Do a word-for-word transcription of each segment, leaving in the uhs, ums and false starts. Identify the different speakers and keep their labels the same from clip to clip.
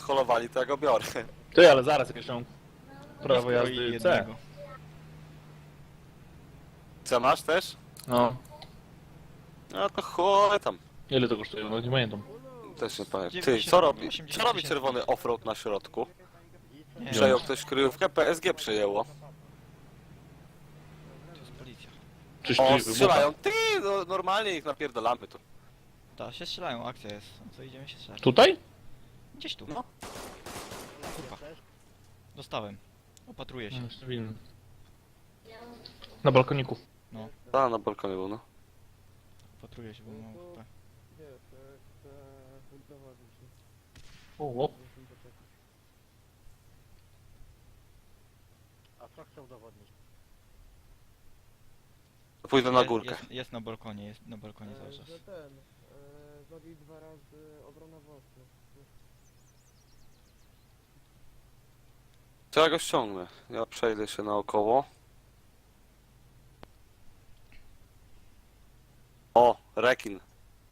Speaker 1: sholowali, to ja go biorę.
Speaker 2: Ty, ale zaraz jakieś tam prawo
Speaker 3: Jest
Speaker 2: jazdy C.
Speaker 3: jednego.
Speaker 1: Co masz też?
Speaker 2: No.
Speaker 1: No to chuj tam.
Speaker 2: Ile to kosztuje? No nie pamiętam.
Speaker 1: Też nie pamiętam. Ty,
Speaker 3: dziewięćdziesiąt,
Speaker 1: co robi?
Speaker 3: osiemdziesiąt
Speaker 1: Co robi
Speaker 3: tysięcy.
Speaker 1: czerwony offroad na środku?
Speaker 3: Nie,
Speaker 1: Przejął ktoś kryjówkę? P S G przejęło.
Speaker 3: to jest policja.
Speaker 2: Czyś
Speaker 1: O,
Speaker 2: ty
Speaker 1: strzelają. Ty, no, normalnie ich napierdalamy tu.
Speaker 3: Ta, się strzelają, akcja jest. No co, idziemy się strzelać.
Speaker 2: Tutaj?
Speaker 3: Gdzieś tu.
Speaker 1: No.
Speaker 3: Kurwa. Dostałem. Opatruję się.
Speaker 2: No, jeszcze winny. Na balkoniku.
Speaker 1: A, na balkonie był, no.
Speaker 3: Opatruję się, bo mam H P.
Speaker 2: O, o.
Speaker 4: A co chciał udowodnić?
Speaker 1: Pójdę na
Speaker 3: Jest-
Speaker 1: górkę.
Speaker 3: Jest, jest na balkonie, jest na balkonie cały czas.
Speaker 5: Że ten, e, zabił dwa razy obrona własna.
Speaker 1: To ja go ściągnę. Ja przejdę się naokoło. O, rekin.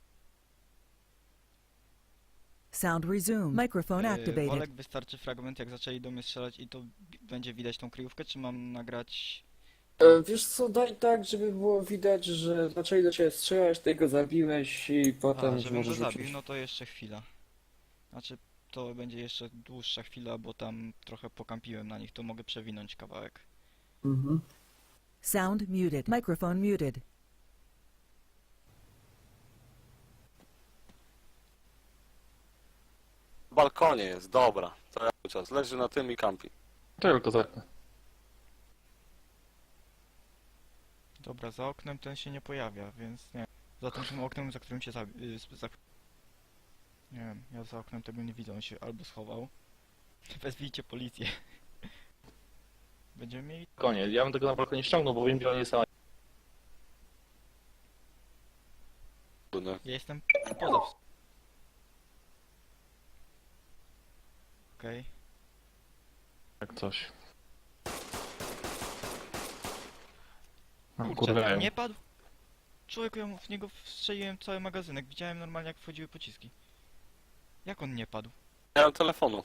Speaker 6: Sound resumed. Microphone
Speaker 3: Yy,
Speaker 6: activated.
Speaker 3: Olek, wystarczy fragment, jak zaczęli do mnie strzelać i to bi- będzie widać tą kryjówkę, czy mam nagrać...
Speaker 5: E, wiesz co, daj tak, żeby było widać, że zaczęli do ciebie strzelać, ty go zabiłeś i potem
Speaker 3: A, żebym go
Speaker 5: możesz
Speaker 3: zabił,
Speaker 5: rzucić.
Speaker 3: no to jeszcze chwila. Znaczy, to będzie jeszcze dłuższa chwila, bo tam trochę pokampiłem na nich, to mogę przewinąć kawałek.
Speaker 5: Mhm.
Speaker 6: Sound muted. Microphone muted.
Speaker 1: W balkonie jest, dobra. To ja cały czas leży na tym i kampi.
Speaker 2: To tylko zerknę.
Speaker 3: Dobra, za oknem ten się nie pojawia, więc nie. Za tym tym oknem, za którym się zabi... y, z- Za... Nie wiem, ja za oknem tego nie widzę, on się albo schował. Wezwijcie policję. Będziemy mieli...
Speaker 2: Koniec. Ja bym tego na balkonie ściągnął, bo wiem, gdzie on jest sam.
Speaker 1: No.
Speaker 3: Ja jestem poza... ws- Okej.
Speaker 2: Jak coś. No,
Speaker 3: Kurczę,
Speaker 2: kurwa,
Speaker 3: nie padł? Człowieku, ja mu w niego wstrzeliłem cały magazynek. Widziałem normalnie, jak wchodziły pociski. Jak on nie padł?
Speaker 1: Nie mam telefonu.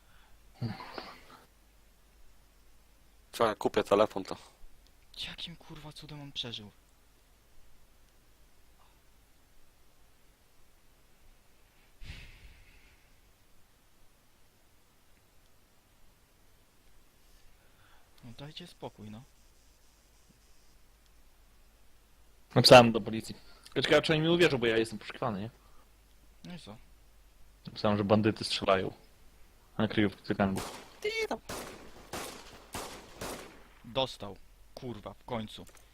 Speaker 1: Czekaj, kupię telefon to.
Speaker 3: Jakim kurwa cudem on przeżył? No dajcie spokój, no.
Speaker 2: Napisałem do policji. Czekaj, czy oni mi uwierzą, bo ja jestem poszukiwany, nie?
Speaker 3: No i co?
Speaker 2: Napisałem, że bandyty strzelają. Na kryjówkę gangów.
Speaker 3: Dostał. Kurwa, w końcu.